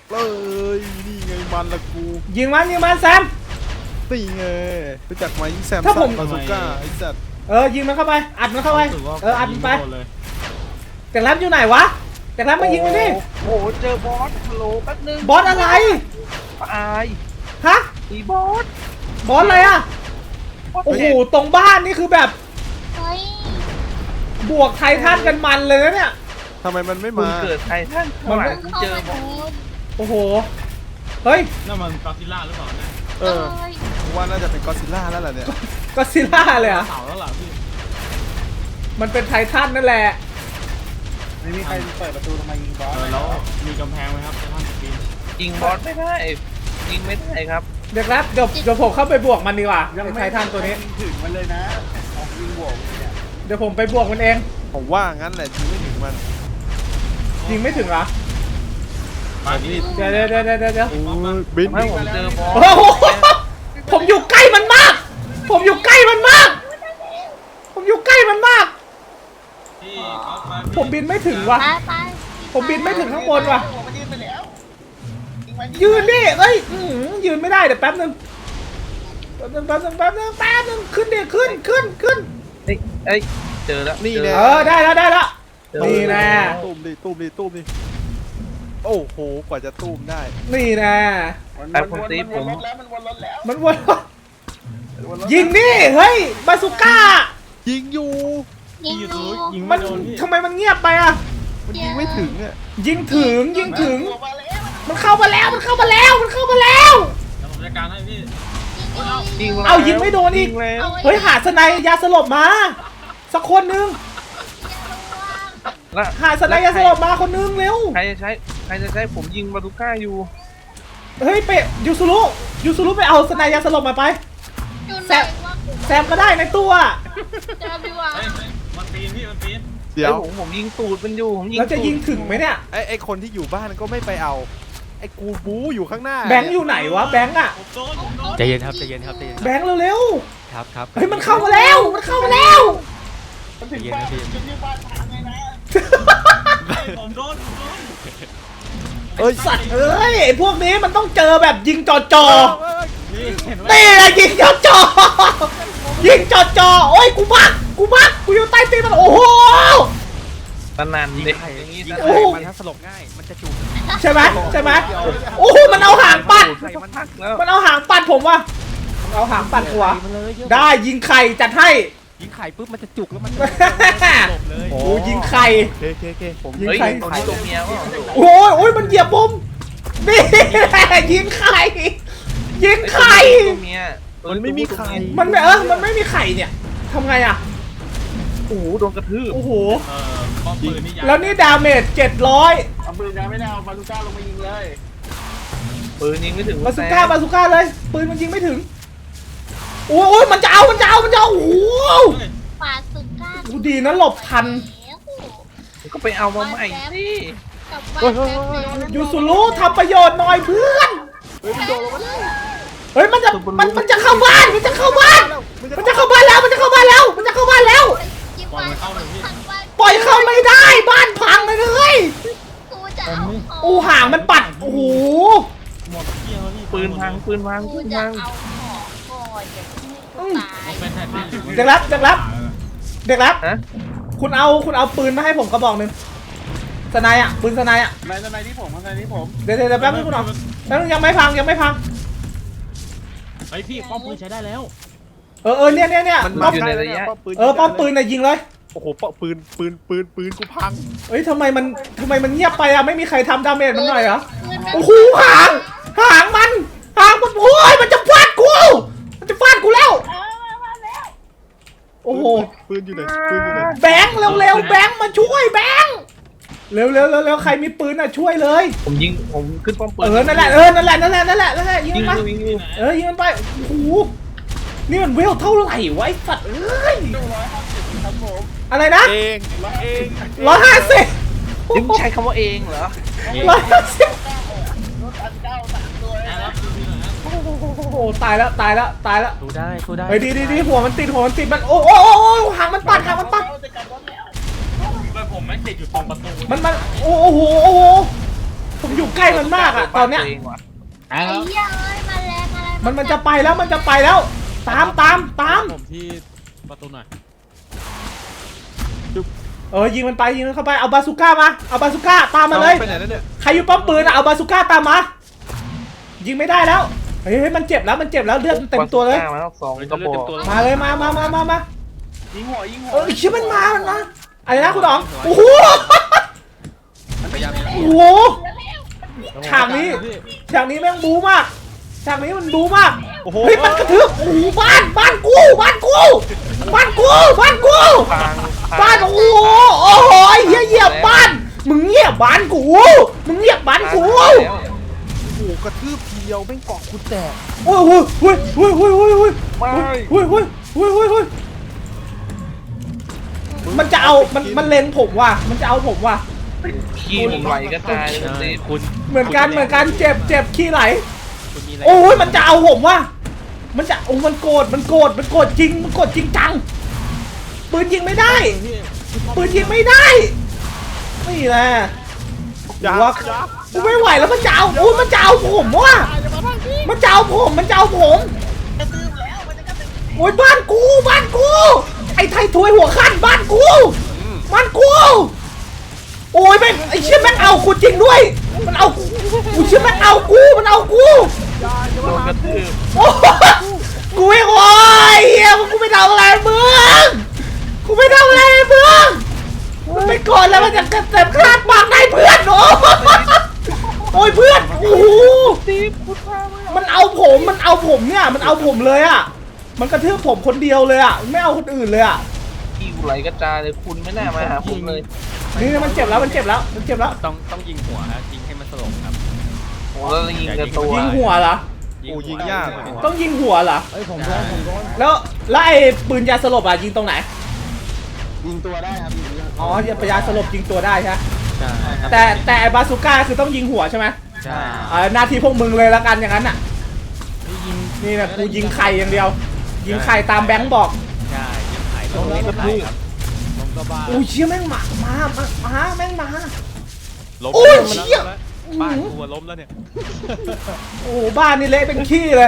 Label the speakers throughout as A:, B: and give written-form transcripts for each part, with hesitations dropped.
A: เลยนี่ไงมันละกู
B: ยิงมันแซม
A: นี่ไงรู้จักไหมแซม
B: ถ้าผม
A: บาซูก้าไอ้สัตว์
B: ยิงมันเข้าไปอัดมันเข้าไป
C: รู้สึกว่า
B: อัดมันไป
C: ยิงม่โดนเลย
B: แต่แรมอยู่ไหนวะแต่แรมมายิงมันดิ
D: โอ้โหเจอบอสฮัลโหลแป๊บนึง
B: บอสอะไร
D: อาย
B: ฮะ
D: อีบอส
B: บอสอะไรอ่ะโอ้โหตรงบ้านนี่คือแบบ
E: เฮ้ย
B: บวกไททันกันมันเลยนะเนี่ย
A: ทำไมมันไม่
D: คุณ
A: มา
D: เกิดไททันข้างหลังคุณ
E: เข้า
D: เจอ
E: มา
D: บอ
E: ดู
D: ส
B: โอ้โหเฮ้ย
C: นั่นมันกอซิลล่าหรือเปล่าเนี่ย
A: เออกูว่าน่าจะเป็นก็อดซิลล่าแล้วแหละเนี่ย
B: ก็ซิล่าเลยอ่ะ
C: เสาแล้วล่ะพี่
B: มันเป็นไททันนั่นแหละ
F: ไม่มีใครเปิดประตูทำไมยิงบอส
C: แล้วมีกำแพงไหมครับในห้องปีน
D: ยิงบอสไม่ได้ยิงไม่ได้ครับ
B: เดี๋ยวครับเดี๋ยวผมเข้าไปบวกมันดีกว่าไอ้ไททันตัวนี้
F: ยิงถึงมันเลยนะของยิงบวกเนี่ย
B: เดี๋ยวผมไปบวกมันเอง
A: ผมว่างั้นแหละยิงไม่ถึงมัน
B: ยิงไม่ถึงเหรอ
C: ไปพี่
B: เดี๋ยว
A: โอ้ยบิน
D: ให้ผมเจอบอส
B: โอ้โหผมอยู่ใกล้มันมาก ผมอยู่ใกล้มันมาก ผมอยู่ใกล้มันมาก
C: พี่ก๊อฟมา
B: ผมบินไม่ถึงว่ะ
E: ไป
B: ผมบินไม่ถึงข้างบนว่ะ
F: ผมมันยิงไปแล้วยิงมัน
B: ยืนดิเอ้ยยืนไม่ได้เดี๋ยวแป๊บนึงขึ้นดิขึ้น
D: เอ้ยเจอแล้ว
A: นี่
D: เจอ
A: แน่
B: ได้แล้ว
D: เจอ
B: นี่แน่
A: ตุ้มดิโอ้โหกว่าจะตุ้มได้
B: นี่แน่
F: มันวนรถแล้วมันวนรถแล้ว
B: มันวนยิงดิเฮ้ยบาซูก้า
A: ยิงอยู่
E: ยิง
C: อยู่
E: ดู
C: ยิง
B: มั
C: ไม่
B: น
C: โดนพี่
B: ทำไมมันเงียบไปอ่ะ
A: มันยิงไม่ถึงอ่ะ
B: ยิงถึง
F: มาแล้ว
B: มันเข้ามาแล้ว
C: แล้วผมจัดการให้พี่
D: ยิงแล้ว
B: เอายิงไม่โดนอีก
D: ยิงแล้ว
B: เฮ้ยหาสไนยยาสลบมา สักคนนึง
D: แล้ว
B: หาสไนยยาสลบมาคนนึงเร็ว
D: ใครจะใช้ผมยิงบาซูก้าอยู่
B: เฮ้ยไปยูซูรุไปเอาสไนยยาสลบมาไป
E: อยู่ไหนวะ
B: แซมก็ได้ในตัว
E: เจอพี่วะ
C: เฮ้ยมันปีนพี่มันปีน
A: เดี๋ยว
D: ผมยิงตูดมันอยู่ผมยิง
B: แล้วจะยิงถึงไหมเนี่ย
A: ไอ้คนที่อยู่บ้านก็ไม่ไปเอาไอ้กูบู๊อยู่ข้างหน้า
B: แบงค์อยู่ไหนวะแบงค์อะ
C: ผมโดน
G: ใจเย็นครับใจเย็นครับใจเย็น
B: แบงค์เร็ว
G: ครับครับ
B: ๆเฮ้ยมันเข้ามาแล้วมันเข้ามาแล้ว
F: มันถึงบ้านจะยืนบ้านทางไงนะ
C: ผมโดน
A: เอ้ย
B: สัตว์เอ้ยไอ้พวกนี้มันต้องเจอแบบยิงจ่อ
C: พี่เห็นไหม
B: ๆนี่แหละยิงจ่อๆยิงจ่อๆโอ้ยกูบักกูอยู่ใต้ตีนมันโอ้โห
D: ตะนัน
G: ยิง
D: เด็ก
G: ไข่
D: อย่างนี้
G: ยิง
D: นะ
B: โอ้
G: ไข่
B: โห
G: มันถ้าสลบง่ายมันจะจุก
B: ใช่ไหมโอ้โหมันเอาหางปัด
D: ใส่มันทักแล้ว
B: มันเอาหางปัดผมว่ะมันเอาหางปัดหัว
G: มันเลยเยอะ
B: ได้ยิงไข่จัดให้
G: ยิงไข่ปุ๊บมันจะจุกแล้วมันจะสลบเลย
B: โอ้ยิงไข่
A: เคผม
B: ยิง
D: เฮ้ย
B: ไข่
D: คนนี้ตัวเมียว่า
B: โอ้ยมันเหยียบผมนี่แหละยิงไข่ยิงไข่
D: ตัวเมีย
A: มันไม่มีใคร
B: มันไม่มีไข่เนี่ยทำไงอ่ะ
D: โอ้โหโดนกระทืบ
B: โอ้โห
C: ป้อมปืนนี่ยาว
B: แล้วนี่ดาเมจ700
F: เอาปืนนะไม่ได้เอาบาลูก้าลงมายิงเลย
D: ปืนยิงไม่ถึง
B: บาซูก้าเลยปืนมันยิงไม่ถึงโอ้ยมันจะเอาโอ้โห
E: ปาสุก้า
B: ดูดีนะหลบทัน
D: ก็ไปเอามาใหม่สิ
E: กลับบ้านแป๊บนึง
B: ยูสุรุทำประโยชน์หน่อยเพื่อน
A: เฮ้ยมันโดนแล้วมัน
B: เฮ้ยมันจะเข้าบ้านมันจะเข้าบ้านแล้ว
E: ยิงบ้านทางบ้าน
B: ปล่อยเข้าไม่ได้บ้านพังเลย
E: กูจะเอาของ
B: โอ้ห่างมันปัดโอ้โห
C: หมดเที่ยงแล้วพี่
D: ปืนพัง
E: กูจะเอาของก่อนอย่าเพิ่งให้กูตาย
C: เป็นไททันหรือ
B: เด็กรับ
D: ฮะ
B: คุณเอาปืนมาให้ผมกระบอกหนึ่งสไนอ่ะปืนสไนอ่ะ
F: ในที่ผมในที่ผม
B: เดี๋ยวแป๊บนึงคุณเอาแป๊บนึงยังไม่พัง
C: เฮ้ยพี่ป้อมปืนใช้ได้แล้ว
B: เนี่ย
D: มัน
B: ป้อม
D: อยู่ในระยะ
B: ป้อมปืนน่ะยิงเลย
A: โอ้โหปืนกูพัง
B: เฮ้ยทำไมมันเงียบไปอ่ะไม่มีใครทำดาเมจมันหน่อยเหรอ
E: ปืนมัน
B: โอ้โหหางมันโอ้ยมันจะฟาดกูแล้วโอ้โห
A: ปืนอยู่ไหน
B: แบงค์เร็วแบงค์มาช่วยแบงค์เร็วใครมีปืนอ่ะช่วยเลย
D: ผมขึ้นป้อมปืน
B: นั่นแหละยิง
D: ยิง
B: มันไป
D: ยิง
B: ยิงมันไปโอ้โหนี่มันเวลเท่าไหร่วะไอ้สัตว์เอ้ย
F: ครับผม
B: อะไรนะ
A: เอง
B: 150
D: ยิงใช้คำว่าเองเหรอ
B: 150
F: รถอันเก้าสามตัว
C: ได้แล้วปืนหน่อยนะ
B: โอ้โหตายแล้ว
G: สู้ได้สู้ได้
B: เฮ้ยดีหัวมันติดมันโอ้หางมันปัด
F: จะกลับรถแล้ว
C: ปืนผมแม่งติดอยู่ตรงประตู
B: มันโอ้โหผมอยู่ใกล้มันมากอะตอนเนี้ย
D: เองว่ะ
C: ไอ้
E: ไอ้
C: แล้ว
E: เหี้ยเอ้ยมาแรงอะไร
B: มันจะไปแล้วมันจะไปแล้ว ตาม
C: ผมที่ประตูหน่อย
B: ยิงมันไปยิงมันเข้าไปเอาบาซูก้ามาเอาบาซูก้าตามมาเลย
A: ไปไหนแล้วเนี่ย
B: ใครอยู่ป้อมปืนอะเอาบาซูก้าตามมายิงไม่ได้แล้วเฮ้ยมันเจ็บแล้วมันเจ็บแล้วเลือดมันเต็มตัวเลย
D: มาแล้ว2
C: เฮ้ย
D: กระ
C: เลื
D: บ
C: อด
D: อ
C: เต็ม
D: ก
C: ตัวแล้ว
B: มาเลยมา
F: ยิงหัวยิงหัว
B: เชื่อมันมาอะไรนะคุณอ๋องโอ้โห
G: พยายาม
B: โอ้โหฉากนี้แม่งบู๊มากฉากนี้มันบู๊มาก
A: โอ้โห
B: เฮ้ยมันกระทืบโอ้โหบ้านกูบ้านกู
D: พัง
B: บ้านโอ้โหโอ้โหเหี้ยเหยียบบ้านมึงเหยียบบ้านกูมึงเหยียบบ้านกู
D: แล้ว
A: โอ้โหกระทืบทีเดียวแม่งเกาะกูแตก
B: โอ้โหเฮ้ย
D: ไม่
B: มันจะเอามันเล็งผมว่ะมันจะเอาผมว่ะ
D: ขี้ผมไหลกระจายเลย
G: คุณ
B: เหมือนกันเจ็บขี้ไหล
G: คุณมีอะไร
B: โอ้ยมันจะเอาผมว่ะมันจะมันโกรธจริงจังปืนยิงไม่ได้ไม่แหละ
A: ยัก
B: ว่า
A: ยัก
B: กูไม่ไหวแล้วมันจะเอามันจะเอาผมว่ะมันจะเอาผมโอ้ยบ้านกูไอ้ไทยถวยหัวขั้นบ้านกูโอ้ยแม่งไอ้เชี่ยแม่งเอากูจริงด้วยมันเอากูเชี่ยแม่งเอากู
D: โดนกระทืบ
B: โอ้กูไม่โอ้ยเฮียกูไม่ทำอะไรมึงมันไม่กดแล้วมันจะเต็มคลาดปากได้เพื่อนโอ้ยเพื่อนโอ้โหมันเอาผมเนี่ยมันเอาผมเลยอ่ะมันกระทืบผมคนเดียวเลยอ่ะไม่เอาคนอื่นเลยอ่ะ
D: ขี้ไหลกระจายเลยคุณไม่น่ามาหาผมเลย
B: นี่มันเจ็บแล้ว
G: ต้องยิงหัวฮะยิงให้มันสลบครับ
D: โอ้แล้วยิงกระตัว
B: ยิงหัวเหรอ
A: โอ้ยิงยาก
B: ต้องยิงหัวเหรอ
F: เอ้ยผมโดน
B: แล้วไอ้ปืนยาสลบอ่ะยิงตรงไหน
F: ยิงตัวได้ครับยิงตัว
B: อ๋อยาสลบยิงตัวได้ใช่ไหม
G: ใช่ครับ
B: แต่ไอ้บาซูก้าคือต้องยิงหัวใช่ไหม
G: ใช่
B: หน้าที่พวกมึงเลยละกันอย่างนั้นน่ะนี่นะกูยิงไข่อย่างเดียว ยิงไข่ตามแบงค์บอก
G: ใช่ยิงไข่ต้องเล่นไข่ครับ
C: ลงก็บ้า
B: อุ้ยเชี่ยแม่งมาแม่งมา
C: ล้ม
B: โอ้ย
C: แล้ว
B: เชี่ย
C: บ้านกูล้มแล้วเนี่ย
B: โอ้โหบ้านนี่เละเป็นขี้เลย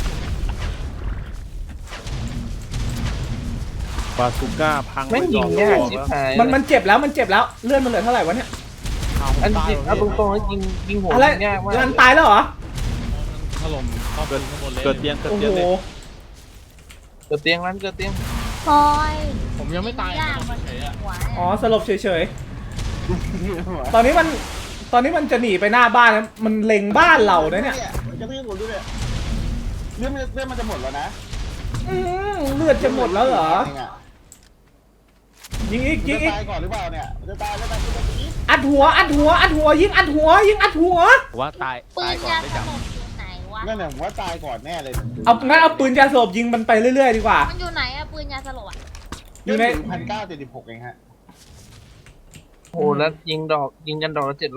A: บาซูก้าพัง
D: แม่งยิง
A: ไป
D: ยาก
A: ดอก
D: ชิบ
A: แล้ว
D: หาย
B: มันเจ็บแล้วเลื่อนมันเหลือเท่าไหร่วะเนี่ย
D: อันจริงเอาตรงๆแล้วยิงหัว
B: อะไร
D: ยิงยากมาก
B: รันตายแล้วเหรอ
C: ถล่มเข้าไปข้างบนเลย
A: เกิดเตียง
B: โอ้โห
A: เลย
D: เกิดเตียงนั้นเกิดเตียง
E: พลอย
C: ผมยังไม่ตาย
E: ยาก
C: ผ
E: มัน
C: มเฉยอะ
E: หัว
B: อ๋อสลบเฉย
F: หัว
B: ๆตอนนี้มันจะหนีไปหน้าบ้านนะมันเล็งบ้านเราเนี่ย
F: จะพี่ผมดูเนี่ยเรื่องมันจะหมดแล้วนะ
B: เลือดจะหมดแล้วเหรอ
F: เงอะ
B: ยิงอีก
F: จะตายก่อนหรือเปล่าเนี่ยจะตายแล้วตายจะตาย
B: อัดหัวยิงอัดหัว
G: ว่าตาย
E: ปื
G: ตาย
E: น
G: ก่อน
E: ยา
G: ไม่
E: ส
G: จับ
E: ลบอยู่ไหนวะ
F: นั่นแหละผมว่าตายก่อนแน่เลย
B: งั้นเอาปืนยาสลบยิงมันไปเรื่อยๆดีกว่า
E: มันอยู่ไหนอะปืนยาสลบอะ
B: อยู่ใน
F: 1976เองฮะ
D: โอ้แล้วยิงกันดอกละ700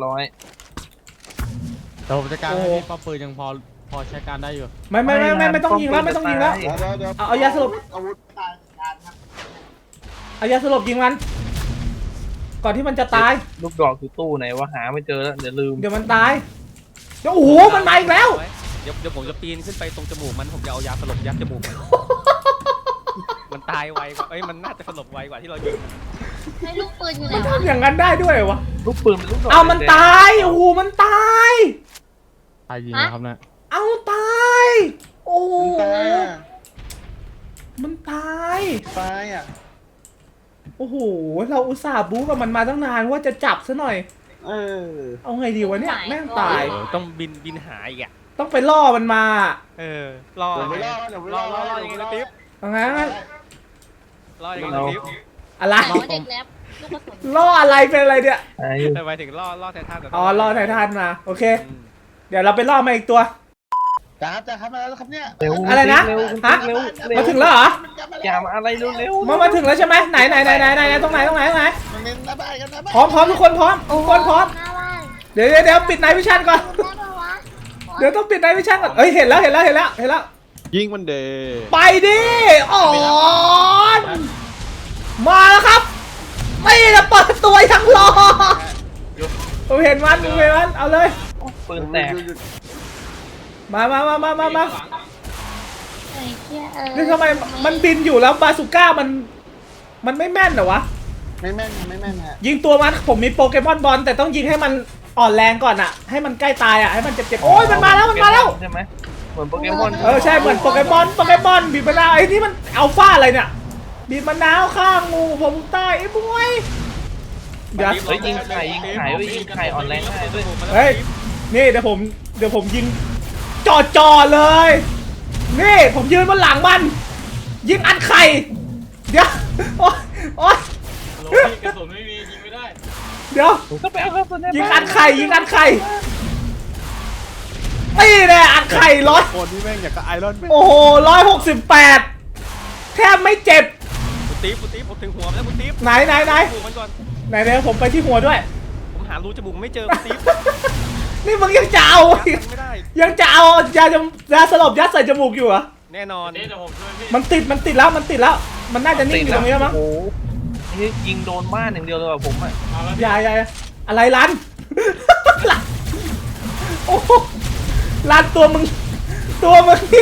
C: แต่ผมจะการให้พี่ป้อมปืนยังพอใช้การได้อยู่
B: ไม่ต้องยิงแล้ว
F: เดี๋ยว
B: เอายาสลบ
F: อาวุธตายการครับ
B: เอายาสลบยิงมัน ก่อนที่มันจะตาย
D: ลูกดอกอยู่ตู้ไหนวะหาไม่เจอแล้วเดี๋ยวลืม
B: เดี๋ยวมันตายโอ้โหมันมาอีกแล้ว
G: เดี๋ยวผมจะปีนขึ้นไปตรงจมูกมันผมจะเอายาสลบยัดจมูกมันมันตายไวกว่ามันน่าจะสลบไวกว่าที่เรายิง
E: ให้ลูกปืนอยู่ไหน
B: มัน
E: วะ
B: ทำอย่างนั้นได้ด้วยเหรอวะ
D: ลูกปืนเป็นลูกดอก
B: เอามันตายโอ้โหมันตาย
C: ตายยิงนะครับเนี่ย
B: เอาตายโอ้โห
F: ตายอ่ะ
B: มันตาย
F: ตายอ่ะ
B: โอ้โหเราอุตส่าห์บู๊กับมันมาตั้งนานว่าจะจับซะหน่อย
F: เออ
B: เอาไงดีวะเนี่ยแม่งตาย
G: ต้องบินหาอีกอ่ะ
B: ต้องไปล่อมันมา
G: รอ
F: เดี๋ยวไปล่อเดี๋ยวไปล่อ
G: ยังไงนะติ๊บ
B: เอางั้น
G: รอยังไงนะติ๊บ
B: อะไร
E: หมอเด็กแล็บลูกกระสุน
B: ล่ออะไรเป็นอะไรเนี่ย
D: หาอยู่
G: แต่หมายถึงล่อไททัน
B: อ๋อล่อไททันมาโอเค เดี๋ยวเราไปล่อมาอีกตัว
F: จ้าครับมาแล้วครับเนี่ย
D: เร็ว
B: อะไรนะ
D: เร็ว
B: ฮะ
D: เร็ว
B: มาถึงแล้วเหรอ
D: อย่ามาอะไรเร็ว
B: มาถึงแล้วใช่ไหมไหนตรงไหน
F: มันเน้นหน้าบ้านกันนะบ้าน
B: พร้อมทุกคนพร้อมทุกคนพร้อม
E: หน้าบ้าน
B: เดี๋ยวปิดไนท์วิชั่นก่อน
E: ได้ปะวะ
B: เดี๋ยวต้องปิดไนท์วิชั่นก่อนเอ้ยเห็นแล้ว
A: ยิงมันเด
B: ไปดิอ๋อมาแล้วครับไม่จะเปิดตัวยังรอผมเห็นมันเอาเลย
D: ปืนแตก
B: มา
E: ไอ้เหี้ย
B: นี่ทำไมมันบินอยู่แล้วบาซูก้ามันไม่แม่นเหรอวะ
F: ไม่แม่นฮะ
B: ยิงตัวมันผมมีโปเกมอนบอลแต่ต้องยิงให้มันอ่อนแรงก่อนอะให้มันใกล้ตายอะให้มันเจ็บๆโอ้ยมันมาแล้ว
D: ใช่ไหมเหมือนโปเกมอน
B: ใช่เหมือนโปเกมอนบีบมะนาวไอ้นี่มันอัลฟาอะไรเนี่ยบีบมะนาวข้างงูผมใต้ไอ้บวยเดี๋ยว
D: เฮ้ยยิงไข่ยิงไข่อ่อนแรงได้ด้วย
B: เฮ้ยนี่เดี๋ยวผมยิงจ่อเลย นี่ผมยืนบนหลังมัน ยิงอัดไข่เดี๋ยวโอ๊ย
C: โหลพี่กระสุนไม่มียิงไม่ได้
B: เดี๋ยว
D: ผมก็ไปเอากระสุนใน
B: ยิง
D: บ้า
B: อั
D: น
B: ดไข่นี่แน่อัดไข่ร้อย
A: คนนี่แม่งอยากกับไอรอนแมน
B: โอ้โห168แทบไม่เจ็บ
G: คุณติ๊บผมถึงหัวมันแล้วคุณติ๊บ
B: ไหน
G: จมูกมันก่อน
B: ไหนผมไปที่หัวด้วย
G: ผมหารูจมูกไม่เจอคุณติ๊บ
B: นี่มึงยังจะเอา
G: ยัดมันไม่ได้
B: ยังจะเอายาสลบยัดใส่จมูกอยู่เหรอ
G: แน่นอน
C: เดี๋ยวผมช่วยพี่
B: มันติดแล้วมันน่าจะนิ่งอยู่ตรงนี้แล้วมั้ง
D: โอ้โหนี่ยิงโดนบ้านอย่างเดียวเลยว่ะผมอ่ะ
C: เอาแล้ว
B: อย่าอะไรรัน รันโอ้โหรันตัวมึงนี่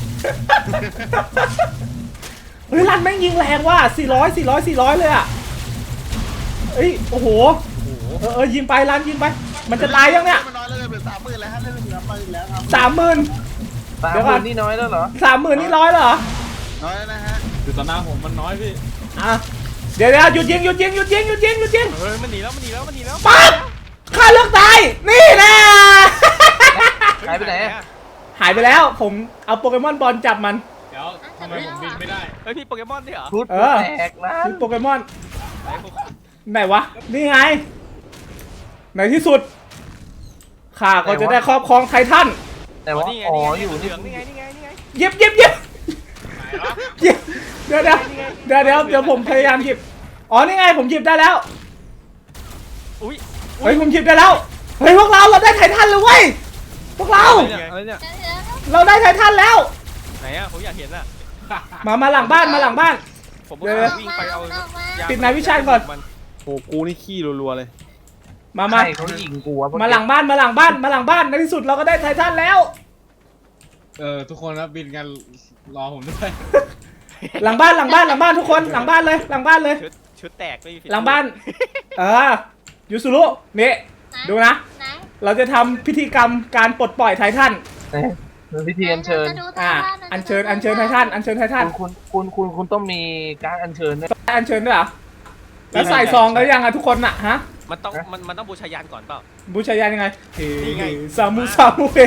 B: เฮ้ยรันแม่งยิงแรงว่ะ400เลยอ่ะเอ้ยโอ้โหยิงไปรันยิงไป มันจะตายยังเนี่ย
F: มันน้อยแล้วเลยเป็น30,000แล้วฮะเล่นเหลือไปอีกแล้วครับ
B: 30,000
D: ตาม
B: เดี๋ยวก่
D: ค
B: อน
D: นนี่น้อยแล้วเหรอ
B: 30,000นี่ร้อยเหรอ
F: น้อยแล้วนะฮะ
C: คือต่อหน้าผมมันน้อยพี่
B: อ่ะเดี๋ยวหยุดยิง
G: เฮ้ยมันหนีแล้ว
B: ปั๊บฆ่าเลือกตายนี่แน่
D: หายไปไหนอะ
B: หายไปแล้วผมเอาโปเกมอนบอลจับมัน
C: เดี๋ยวทำไมผมบินไม่ได้
G: เฮ้ยมีโปเกมอนด้วยเหรอ
D: ชุด
B: เออ
D: แตกนะ
B: คือโปเกมอน
G: ไหนผม
B: ไหนวะนี่ไงในที่สุดข้าก็จะได้ครอบครองไททัน
D: แต่ว่า
G: นี่ไง
D: อ๋อ
G: นี่
D: อยู่
G: เหลื
D: นี่
G: องนี่ไง
B: หยิบเดี๋ยวผมพยายามหยิบอ๋อนี่ไงผมหยิบได้แล้ว
G: อุ้ย
B: เฮ้ยผมหยิบได้แล้วเฮ้ยพวกเราได้ไททันเลยเว้ยพวกเรา
G: อะไรเนี่ย
B: เราได้ไททันแล้ว
G: ไหนอะผมอยากเห็นอะ
B: มาหลังบ้าน
G: ผม
B: เดี๋ยว
G: วิ่งไปเอาย
B: ปิดนายวิชาญก่อน
A: โอ้กูนี่ขี้รัวๆเลย
B: มา
D: ใครเขายิงกูวะ
B: มาหลังบ้านในที่สุดเราก็ได้ไททันแล้ว
C: ทุกคนครับบินกันรอผมด้วย
B: หลังบ้านทุกคนหลังบ้านเลย
G: ชุดแตกไม่มีผิด
B: หลังบ้านยูสุรุนี่ดูนะ
E: ไหน
B: เราจะทำพิธีกรรมการปลดปล่อยไททัน
D: เป็นพิธีอัญเชิญ
B: อัญเชิญไททัน
D: คุณต้องมีการอัญเชิญด้วย
B: อัญเชิญด้วยเหรอแล้วใส่ซองแล้วยังอะทุกคนอะฮะ
G: มันต้องบูชายันก่อนเปล่า
B: บูชายันยังไง
G: นี่ไง
B: ซามูเฮ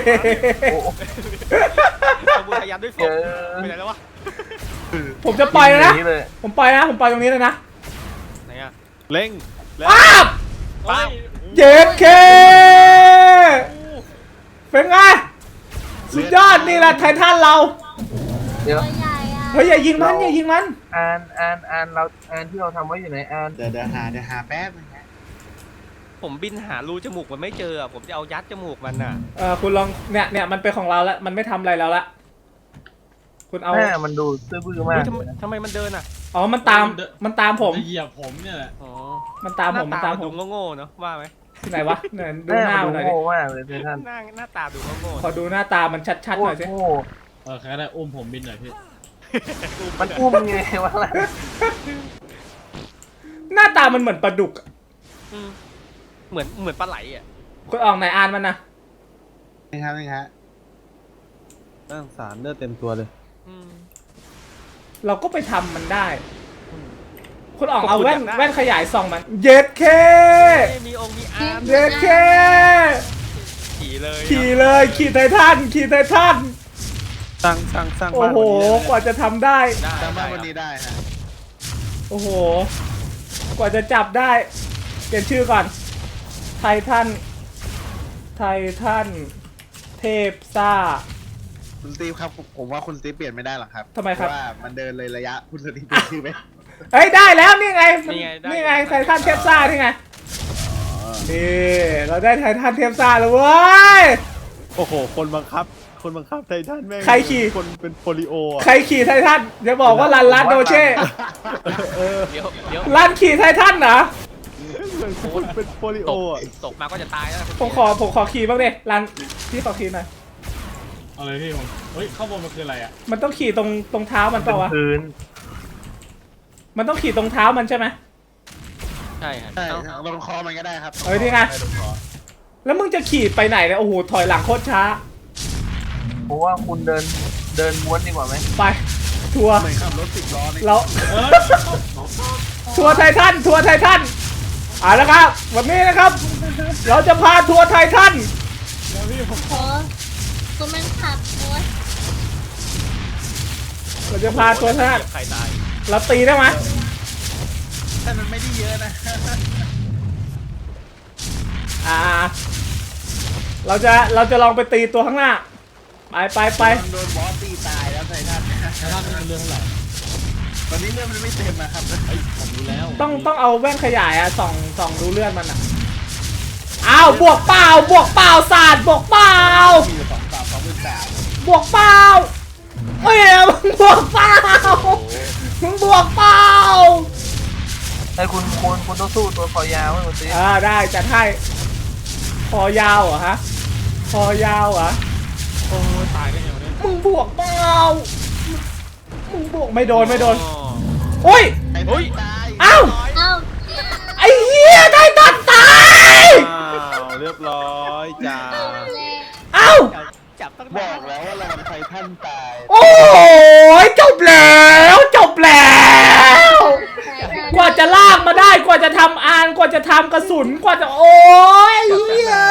G: ต้องบูชายันด้วยศพไปไหนแล้ววะ
B: ผมจะปล่อยแล้วนะ
D: เลย
B: ผมปล่อยตรงนี้เลยนะ
G: ไหนอะ
A: เล่งแล้ว
B: ป๊าบ
G: ป้า
B: เจ็ดเคเป็นไงสุดยอดนี่แหละไททันเรา
D: เดี๋ยว
E: ตัวใหญ่อะ
B: เฮ้ยอย่ายิงมัน
D: อ่านเราที่เราทำไว้อยู่ไหนอ่าน
F: เดี๋ยวหาแป๊บนึงฮะ
G: ผมบินหารูจมูกมันไม่เจออะผมจะเอายัดจมูกมันน่ะ
B: คุณลองเนี่ยมันเป็นของเราแล้วมันไม่ทำอะไรแล้วละคุณเอา
D: หน้ามันดูซื่อบื้อมาก
G: ทำไมมันเดินอะ
B: อ๋อมันตามผม
C: จะเหยียบผมเนี่ยแหละ
G: อ๋อ
B: มันตามผม
G: หน้ดูโง่ๆเนาะว่าไหม
B: ที่ไหนวะเนี่ยดู
D: หน้า
B: หน้า
D: มัน
B: มันหน่อยดิ
D: ดูโง่มากเลยท่าน
G: หน้าตาดูโง่
B: ขอดูหน้าตามันชัดๆหน่อยสิ
D: โง่
C: ใครก็ได้อุ้มผมบินหน่อยพี่
D: มันอุ้มไงวะล่ะ
B: หน้าตามันเหมือนปลาดุกอะ
G: ๆอืมเหมือนปลาไหลอะ
B: คุณออกไหนอ่านมันนะ
F: นี่ครับ
A: น่าสงสารเลือดเต็มตัวเลย
G: อืม
B: เราก็ไปทำมันได้ คุณออก
G: ก็
B: เอา
G: คุณ
B: แว่น
G: อยากได้
B: แว่นขยายส่องมันเย็ดเค
G: มีองค์มีอาร์ม
B: เย็ดเค
G: ขี่เลย
B: ขี่ไททัน
A: สร้าง
B: โอ้
A: บ้าน
B: โห
A: วันนี้
B: กว่าจะทำได้
G: ได้
F: สร้างบ้าน
G: ได้
F: วันนี้ได้ฮะ
B: โอ้โห กว่าจะจับได้เปลี่ยนชื่อก่อน ไททัน เทพซ่า
F: คุณสตีฟครับผมว่าคุณสตีฟเปลี่ยนไม่ได้หรอกครับ
B: ทำไมครับ
F: เพาะว่ามันเดินเลยระยะคุณสตีฟเปลี่ยนชื่อไหม
B: เอ้ยได้แล้วนี่ไงนี่ไงไททันเทพซ่านี่ไงนี่เราได้ไททันเทพซ่าแล้วเว้ย
A: โอ้โหคนบังคับไททันแม่ง
B: ใครขี่
A: คนเป็นโปลิโออะ
B: ใครขี่ไททันจะบอกว่าลันโดเช่
G: เดี๋ยว
B: ลันขี่ไททันเหรอ
A: อนคนเป็นโปลิโอ
G: ตก
A: อ่ะ
G: ตกมาก็จะตายแล้วนะคุณ
B: ผมขอขี่บ้างดิรันพี่ขอขี่หน่อย
C: เอาเลยพี่ผมเฮ้ยข้างบนมันคืออะไรอ่ะ
B: มันต้องขี่ตรงเท้ามันเปล่าวะ
D: พื้น
B: มันต้องขี่ตรงเท้ามันใช่ไหม
G: ใช่ครับ
F: ใช่
G: เอ้า
F: ลงคอมันก็ได้ครับ
B: เอ้ยนี่ไง
F: ด้ลงคอ
B: แล้วมึงจะขี่ไปไหนเนี่ยโอ้โหถอยหลังโคตรช้า
D: เพราะว่าคุณเดินม้วนดีกว่าไหม
B: ไปทัวร์
F: เหมือนขับรถ10 ล้อนี่
B: เรา
C: เอ้ย
B: ทัวร์ไททันทัวร์ไททันเอาละครับวันนี้นะครับ เราจะพาทัวร์ไททัน
C: แล้วพี่ผม
E: โอ้คุณมันขับรถ
B: เราจะพาทัวร์ไททัน
G: ใครตาย
B: เราตีได้ไหม
F: แต่มันไม่ได้เยอะนะ
B: เราจะลองไปตีตัวข้างหน้าไป
F: โดนบอสตีตายแล้วไททัน
C: แล้วท่านเป็นเรื่องเท่าไหร่
F: ตอนนี้เรื่องมันไม่เต็มนะครับ
C: เฮ้ยผมรู้แล้ว
B: ต้องเอาแว่นขยายอะส่องดูเลือดมันอะอ้าวบวกเปล่าศาสตร์บวกเปล่า
F: มีอยู่2,300
B: บวกเปล่าเฮ้ยมึงบวกเปล่ามึงบวกเปล่า
D: ไอ้คุณต้องสู้ตัวคอยาวให้คุณตี
B: ได้จัดให้คอยาวเหรอฮะคอยาวเหรอ
C: โอ้ยตายกันอย่างนี้
B: มึงบวกเปล่ามึงบวกไม่โดน
G: อ๋อ
B: โอ้ย
F: ไอ้คนตาย
B: อ้าว
E: เอ้า
B: ไอ้เหี้ยได้ตัดตาย
A: อ้าวเรียบร้อยจ้า
E: เลย
B: เอ้า
G: จับตั้ง
F: บ
G: นา
F: อน กแล้วว่าเรามันไททันตาย
B: โอ้ยจบแล้วกว่าจะลากมาได้กว่าจะทำอานกว่าจะทำกระสุนกว่าจะโอ้ยเหี้ย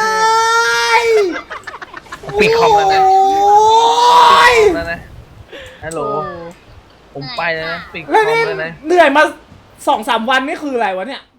D: ปิดคอมแล้วนะ
B: โอ้ย
D: แล้วนะฮัลโหลผมไปแล้วนะปิดคอ
B: แล้ว
D: ม
B: นี่
D: แล้วนะ
B: เหนื่อยมา2-3 วันนี่คืออะไรวะเนี่ย